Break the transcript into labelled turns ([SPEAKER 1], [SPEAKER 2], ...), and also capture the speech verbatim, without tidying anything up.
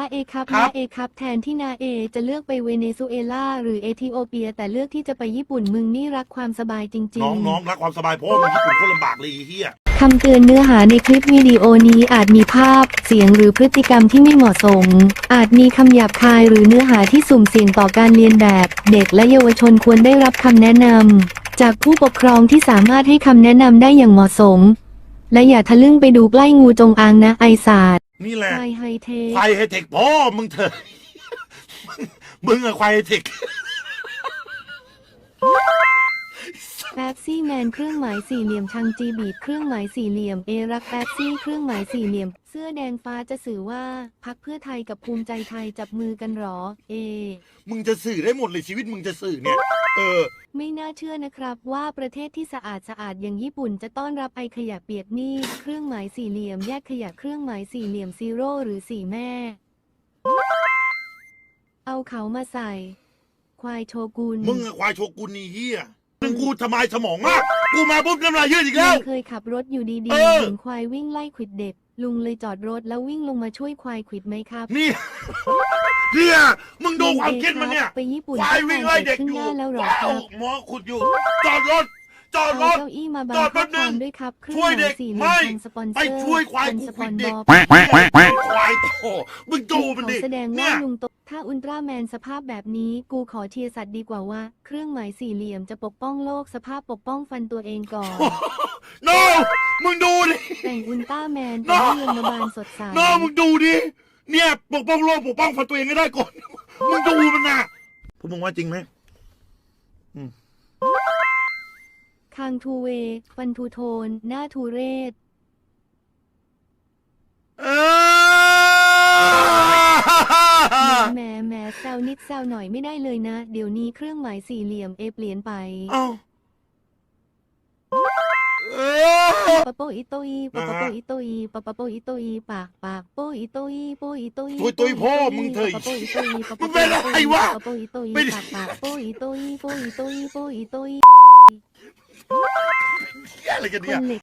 [SPEAKER 1] เอครับ
[SPEAKER 2] ครั
[SPEAKER 1] นา
[SPEAKER 2] บ
[SPEAKER 1] เอครับแทนที่นาเอจะเลือกไปเวเนซุเอลาหรือเอธิโอเปียแต่เลือกที่จะไปญี่ปุ่นมึงนี่รักความสบายจริ
[SPEAKER 2] น้
[SPEAKER 1] ง
[SPEAKER 2] องน้องรักความสบายเพราะว่ามันญี่ปุ่นโคตรลำบากเลยไอ้เฮีย
[SPEAKER 1] ๆคำเตือนเนื้อหาในคลิปวิดีโอนี้อาจมีภาพ เสียงหรือพฤติกรรมที่ไม่เหมาะสม อาจมีคำหยาบคายหรือเนื้อหาที่สุ่มเสี่ยงต่อการเรียนแบบ เด็กและเยาวชนควรได้รับคำแนะนำจากผู้ปกครองที่สามารถให้คำแนะนำได้อย่างเหมาะสม และอย่าทะลึ่งไปดูใกล้งูจงอางนะไอศาสตร์
[SPEAKER 2] นี่แหละ
[SPEAKER 1] ควายไฮเทค
[SPEAKER 2] ควายไฮเทคพ่อมึงเถอะ มึงอะควายไฮเทค
[SPEAKER 1] แป๊บซี่แมนเครื่องหมายสี่เหลี่ยมชังจีบีดเครื่องหมายสี่เหลี่ยมเอรักแป๊บซี่เครื่องหมายสี่เหลี่ยม เสื้อแดงฟ้าจะสื่อว่าพรรคเพื่อไทยกับภูมิใจไทยจับมือกันหรอ เอ
[SPEAKER 2] มึงจะสื่อได้หมดเลยชีวิตมึงจะสื่อเนี่ย เออ
[SPEAKER 1] ไม่น่าเชื่อนะครับว่าประเทศที่สะอาดสะอาดอย่างญี่ปุ่นจะต้อนรับไอขยะเปียกนี่เครื่องหมายสี่เหลี่ยมแยกขยะเครื่องหมายสี่เหลี่ยมซีโร่หรือสี่แม่ เอาเขามาใส่ ควายโชกุน
[SPEAKER 2] มึงอะควายโชกุนนี่เฮียมึงกูทำไมสมองมาก กูมาปุ๊บน้ำลายยืดอีกแล้ว
[SPEAKER 1] ลุงเคยขับรถอยู่ดี
[SPEAKER 2] เอ
[SPEAKER 1] ๆ
[SPEAKER 2] อ
[SPEAKER 1] เห็นควายวิ่งไล่ขวิดเด็ก ลุงเลยจอดรถแล้ววิ่งลงมาช่วยควายขวิดไหมครับ
[SPEAKER 2] นี่ เนี่ยมึงดูความคิดมันเนี่ย
[SPEAKER 1] ไปญี่ปุ่น
[SPEAKER 2] ควายวิ่งไล่เด็ก
[SPEAKER 1] ขึ้น
[SPEAKER 2] อ
[SPEAKER 1] ห
[SPEAKER 2] ยู่
[SPEAKER 1] น้าแล้วเหรอ
[SPEAKER 2] ว้า
[SPEAKER 1] คว รับ
[SPEAKER 2] หมอขุดอยู่ จอดรถ จอดร
[SPEAKER 1] เอา
[SPEAKER 2] ถ
[SPEAKER 1] เก้าอี้มาบัง
[SPEAKER 2] จอดแป๊
[SPEAKER 1] ข้อบ
[SPEAKER 2] นึ
[SPEAKER 1] ควาง มด้วยครับเครื่อง
[SPEAKER 2] ช่วย
[SPEAKER 1] ห
[SPEAKER 2] เด็
[SPEAKER 1] มาย
[SPEAKER 2] ก
[SPEAKER 1] สี่เหลี่ย
[SPEAKER 2] ไม่
[SPEAKER 1] มทางสปอนเซ
[SPEAKER 2] ไป
[SPEAKER 1] อร์
[SPEAKER 2] ช่วยควาย
[SPEAKER 1] เป็น
[SPEAKER 2] กู
[SPEAKER 1] ส
[SPEAKER 2] ค
[SPEAKER 1] ป
[SPEAKER 2] วิ
[SPEAKER 1] อ
[SPEAKER 2] ด
[SPEAKER 1] น
[SPEAKER 2] เด็ก
[SPEAKER 1] บอ
[SPEAKER 2] ควายโตมึงดูมัน
[SPEAKER 1] เขา
[SPEAKER 2] ดิ
[SPEAKER 1] แสดง
[SPEAKER 2] เนี่
[SPEAKER 1] ว่าย ลุงโตถ้าอุลตร้าแมนสภาพแบบนี้ กูขอเชียร์สัตว์ดีกว่าว่า เครื่องหมายสี่เหลี่ยมจะปกป้องโลกสภาพปกป้องฟันตัวเองก่อน
[SPEAKER 2] โนมึงดูดิ
[SPEAKER 1] แต่งอุลตร้าแมน
[SPEAKER 2] น้
[SPEAKER 1] แต่
[SPEAKER 2] อง
[SPEAKER 1] ให้ลงมาบานสดใส
[SPEAKER 2] โนมึงดูดิ เนี่ยปกป้องโลกปกป้องฟันตัวเองให้ได้ก่อน มึงดูมันนะพวกมึงว่าจริงไหม
[SPEAKER 1] คางทูเว ฟันทูโทน หน้าทูเรศ
[SPEAKER 2] เออ
[SPEAKER 1] แหมแหมแซวนิดแซวหน่อยไม่ได้เลยนะ เดี๋ยวนี้เครื่องหมายสี่เหลี่ยมเอเปลี่ยนไป
[SPEAKER 2] เอ้าเออ
[SPEAKER 1] ปะโปอิโตอีปะปะโปอิโตอีปะปะโปอิโตอีปากปากโปอิโตอีโปอิโตอี
[SPEAKER 2] ตุยตุยพ่อมึงเถอะ
[SPEAKER 1] ปะปะโปอิโตอีปะ
[SPEAKER 2] มึ
[SPEAKER 1] ปะ
[SPEAKER 2] ง
[SPEAKER 1] โป
[SPEAKER 2] เป็นอะไรวะ
[SPEAKER 1] ปะโปอิโตอี
[SPEAKER 2] เป็น
[SPEAKER 1] ปากปากโปอิโตอีโปอิโตอีโปอิโตอี
[SPEAKER 2] เหี้ยอะไรกัน
[SPEAKER 1] ค
[SPEAKER 2] เนี่ย
[SPEAKER 1] นเหล็ก